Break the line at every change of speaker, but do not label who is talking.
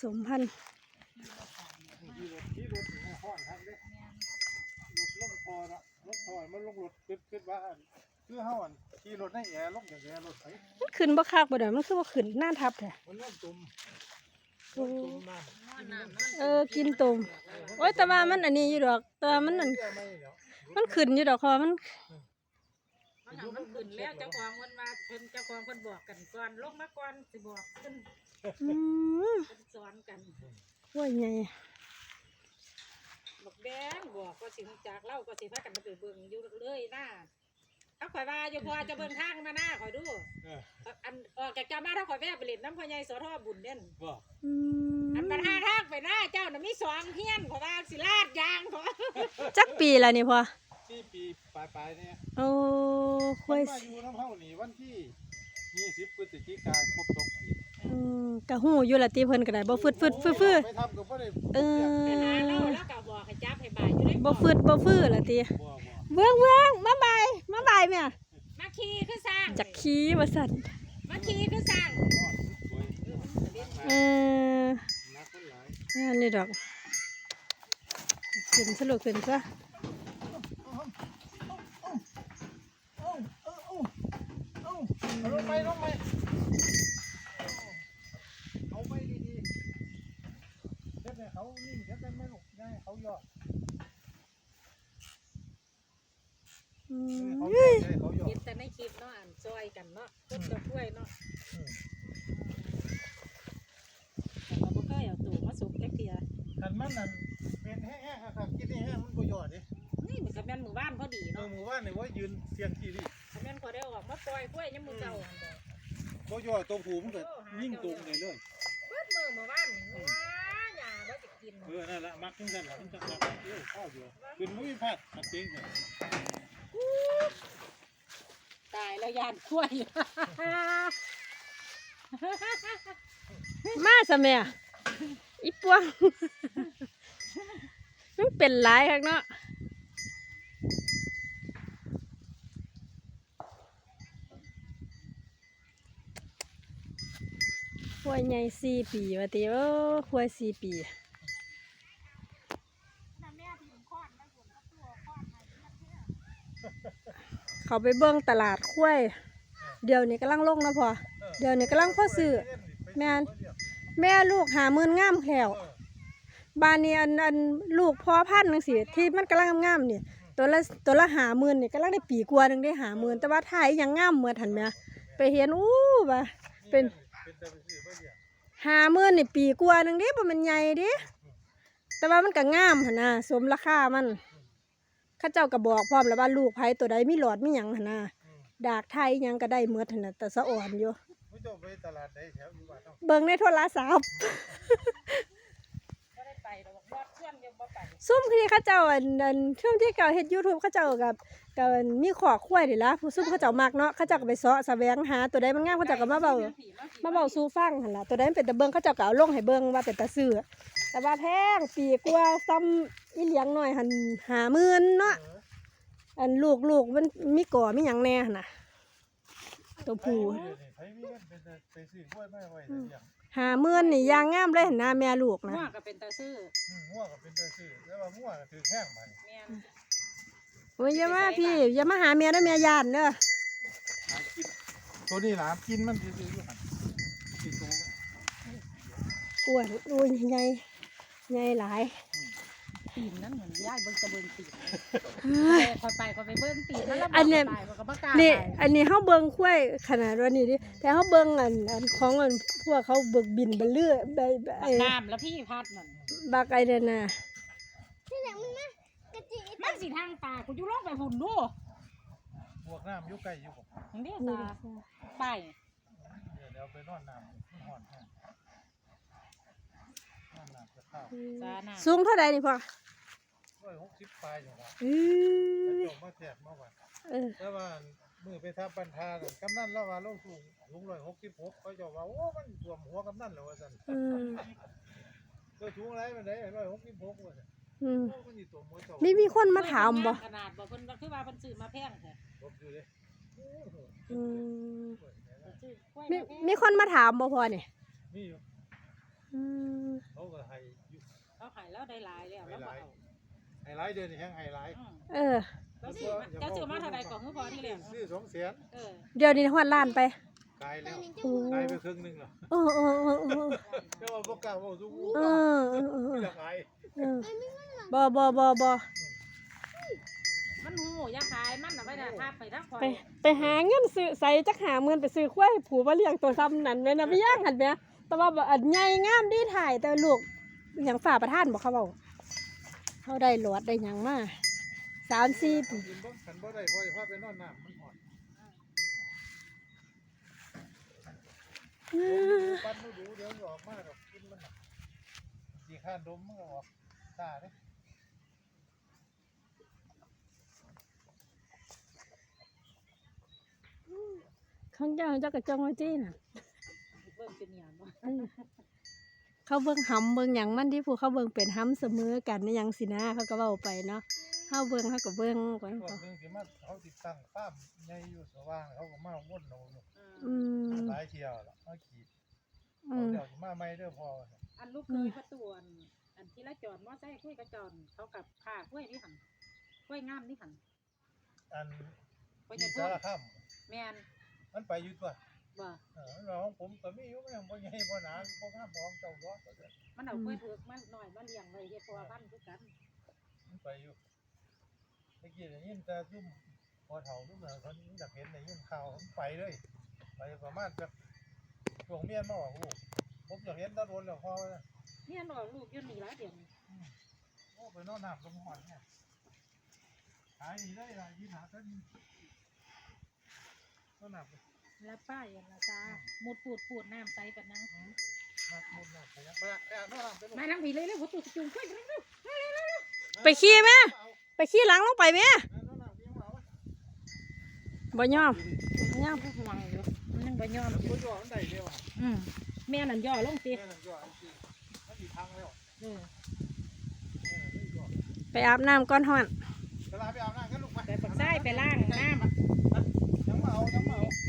มพันธุ์
ที่รถห้อนครับเด้รถลงพอละรถถอยมันลงรถขึ้นว่าคือเฮาอันขี่รถให้แอร์ลงอย่างแอร์รถไถ
มันขึ้นบ่คักบ่ได้มันคือว่าขึ้นหน้าทับแท้
มันเริ่มตุ่ม
น้ำกินตุ่มโอ้ยแต่ว่ามันอันนี้อยู่ดอกแต่มันนั่นมันขึ้นอยู่ดอกคอมัน
ขึ้นแล้วเจ้าของมันมาเพิ่นเจ้าของเพิ่นบอกกันก่อนลงมาก่อนสิบอกขึ้นเพิ่นสอนกัน
ว่าไง
บอกแดงบอกก็สิจากเล่าก็สิพากันไปเบิ่งอยู่เลยหน้าถ้าข่อยว่าอยู่พอจะเบิ่งทางมาหน้าข่อยดูอันออกจากจามาถ้าข่อยแวะไปเล่นน้ำพ่อใหญ่สทบุญเด่นอันปัญหาทางไปหน้าเจ้าน่ะมี2เฮียนข่อยว่าสิลาดยางข่อย
จักปีละนี่พอ
4 ปีปลายเนี่ย
โอ้ค่อย
มาอยู่น้ำเฮานี่วันที่20 พฤศจิกายนครบ2 ปี
กะฮู้อยู่ละติเพิ่นก็ได้บ่ฟึดฟื้
ไปทำก็บ่ได้
ไปหาเล่าแล้วก็บอกให้จับให้บ่ายอยู่ได้
บ่ฟื้ละติเบิ่งมาบ่ายแม่
มาขี่คือสร้าง
จักขี่ว่าซั่น
มาขี่คือสร้าง
อันนี้ดอกขึ้นสรุปขึ้นซะ
ลงไปเอาไปดีๆเด็ดเนี่ยเขานิ่งเด็ดไม่หลบได้เขาหยอด
เห็นแต่ในคลิปเนาะอ่านซอยกันเนาะต้นกระถ้วยเนาะแต่เราบ่เคยเอาตู่มาสุกแค่เพีย
ขันมันนั่นเป็นแห้งๆครับกินแห้งมันประโยชน์ดิ
นี่มันกับแม่นหมู่บ้านพอดีเนาะ
หมู่บ้านเนี่ยว่ายืนเสียงกี่ดิ
แม่นพอได้ออกมาปล่อยกล้วยยังมือเก่า
ประโยชน์ตัวผูมันเกิดยิ่งตรงเลยเ
ปิดมือหมู่บ้านอย่าได้จะกิน
นั่นแหละมักขึ้นกันมันจะมักข้าวเดียวขึ้นมุ้ยพัดมักจริงเลย
ตายแล้วยานกล้วย
มาซะแม่อีปวงมันเป็นหลายคักเนาะควายใหญ่4 ปีว่าติควาย4 ปีเขาไปเบิ่งตลาดควายเดี๋ยวนี้กำลังลงนะพ่อเดี๋ยวนี้กำลังพ่อซื้อแม่ลูก50,000งามแถวบ้านนี้อันลูกพ่อพันธุ์จังซี่ที่มันกำลังงามนี่ตัวละ50,000นี่กำลังได้ปีกว่านึงได้50,000แต่ว่าถ่ายยังงามเหมือนหั่นแม่ไปเห็นว่าเป็น50,000นี่ปีกว่านึงเด้บ่มันใหญ่เด้แต่ว่ามันก็งามหั่นน่ะสมราคามันข้าเจ้าก็บอกพร้อมแล้วว่าลูกไผตัวใดมีหลอดมีหยังหั่นน่ะดากไทยยังก็ได้หมดหั่นน่ะแต่สะอ่อนอยู่เบิ่งในโทรศัพท์ซุ่มที่เขาเจ้าช่วงที่เก่าเฮ็ด YouTube เขาเจ้ากับมีขอควายนี่ล่ะผู้ซุ่มเขาเจ้ามักเนาะเขาเจ้าก็ไปเสาะแสวงหาตัวใดมันงามเขาเจ้าก็มาเว้าสู่ฟังหั่นล่ะตัวใดมันเป็นตาเบิ่งเขาเจ้าก็เอาลงให้เบิ่งว่าเป็นตาซื้อแต่ว่าแพงปีกว่าซ้ำอีเหลียงน้อยหั่น50,000เนาะอันลูกมันมีก่อมีหยังแน่หั่นน่ะตัวผู้50,000นี่ยางงามเลยหั่นน่ะแม่ลูกนะ
งัวก็เป็นตาซื้อ
แล้วว่างัวก็ถือแข้งมัน
โอ้ยอย่ามาพี่อย่ามาหาแม่เด้อแม่ย่านเด้อ
ตัวนี้หลามกินมันซื่อๆอยู่หั่นกินตัว
อ้วนอุ้ยใหญ่หลาย
ตีนนั้นเหมือนย่ายเบิ่งตะเบิ่งตีนคอยไปเบิ่งตีนแล้ว
อันนี้นี่อันนี้เฮาเบิ่งควายขนาดว่านี่ดิแต่เฮาเบิ่งอันของพวกเขาเบิกบินบ่เลื่อไอ้
น้ำแล้วพี่พัดนั่น
บักไอ้นั่นน่ะ
มันสิทางป่ากูอยู่ลงไปหุ่นดู
พวกน้ำอยู่ใกล้อยู่
บ่นี่ตาไป
เดี๋ยวไปนอนน้ำมันร้อนแห้ง
สูงเท่าใดนี่พ่อ
160 ปลายอยู่ครับจบมาแจกเมื่อวานแล้วว่ามือไปทับปันธากำนันแล้วว่าเราสูง166เขาจะว่าโอ้มันท่วมหัวกำนันแล้วว่าซั่นสูงอะไรมันได้166ว่าซั่น
มีคนมาถามบ่
ขนาดบ่เพิ่นว่าคือว่าเพิ่นซื้อมาแพงแท้
มีคนมาถามบ่พ่อนี่อืม
เขาก็ให้อยู่
เขาหายแล้วได้หลายแล้วแล้วบ่เอา
ให้หลายเดือนนี่แฮงให้หลาย
เออ
แล้วซื้อมาเท่าไหร่ก่อนคือพอที่แล้ว
ซื้อ200,000
เดี๋ยวนี้ฮอดล้านไป
กายแล้ว
โอ้
กายไปครึ่งนึงแล้ว
เออเออเออเออ
แต่ว่าบ่กล้าเว้าสู้
เออเออเออ
อยากอาย
เออบ่
มันหูอยาขายมันน่ะไว้ได้ภาพไปทักคอย
ไปหาเงินซื้อใส่จักหาเงินไปซื้อควายผูมาเลี้ยงตัวซ้ำนั่นแม่นะพี่ย่างหันแม่แต่ว่าอันใหญ่งามดีถ่ายแต่ลูกอย่างฝ่าประทานบ่เขาเว้าเขาได้หลอดได้หยังมา3-4 ปี
กินบ่คันบ่ได้พอจะพาไปนอนน้ำมันหอนปั้นดูเดี๋ยวออกมาดอกกินมันน่ะสิข้านดมมันก็ออกตาเด้
ของเจ้ากับจองไว้จี้น่ะ
เบิ่งเป็นหยังบ่
เขาเบิ่งหำเบิ่งหยังมันที่ผู้เขาเบิ่งเป็นหำเสมอกันในหยังสินะเขาก็เว้าไปเนาะเฮาเบิ่งเฮาก็เบิ่งก่อน
พวกนึงสิมาเขาติดตั้งฟ้าร์มใหญ่อยู่สว่างเขาก็มาวนเอาอยู่
อืม
หลายเที่ยวแล้วมาขีด
อืม
เดี๋ยวสิมาใหม่เด้อพ่อ
อันลูกเคยประตูอันที่ละจอดมอไซค์คุยกับจอนเขากับค่ากล้วยนี่หั่นกล้วยงามนี่หั่น
อัน
กล้วย
ที่
จะ
สา
ทุ่
รคาม
แม่น
มันไปอยู่ตัว
บ่
เราของผมก็มีอยู่มันยังบ่ใหญ่บ่หนาบ่งามบ่ของเจ้าร้อก็ได้
มันเอากล้วยเผือกมาหน่อยมาเลี้ยงไว้เฮ็ดเพราะว่าพันธุ์คือกัน
มันไปอยู่เมื่อกี้ได้ยินแต่ซุ่มพอเฒ่าซุ่มเขาอยากเห็นได้ยินข่าวมันไปเลยไปประมาณสักช่วงเมียนมาออกลูกผมอยากเห็นตะโดนแล้วพ่อว่า
เนี่ยนอลูกอยู่นี่หลายเดือน
โอ้ไปนอนน้ำลมหอนเนี่ยหายดีได้ล่ะยืนหากันนอนน้ำ
แล้วป้าอย่างละจ้ามุดปูดน้ำใสแบบนั้น
มามุดน้ำไปยังไปนอนน้ำไปลูก
มานั่งผีเลยหัวตูจุ่มขึ้น
ไปขี้แม่ไปขี้หลังลงไปแม่
นอนน้ำเลี้ยงเอา
บ่ยอม
ย่อมห่วงอยู่มันยังบ่ย่อม
บ่ย่อมันได้เร็วอ่ะ
แม่นั่นย่อลงสิ
แม่นั่นย่ออันที่มันอีกทางแล้ว
เออ
ไปอาบน้ำก่อนฮ้อน
เวลาไปอาบน้ำกันลูกไป
ไปปักไส้ไปล่างน้ำ
ยังมาเอา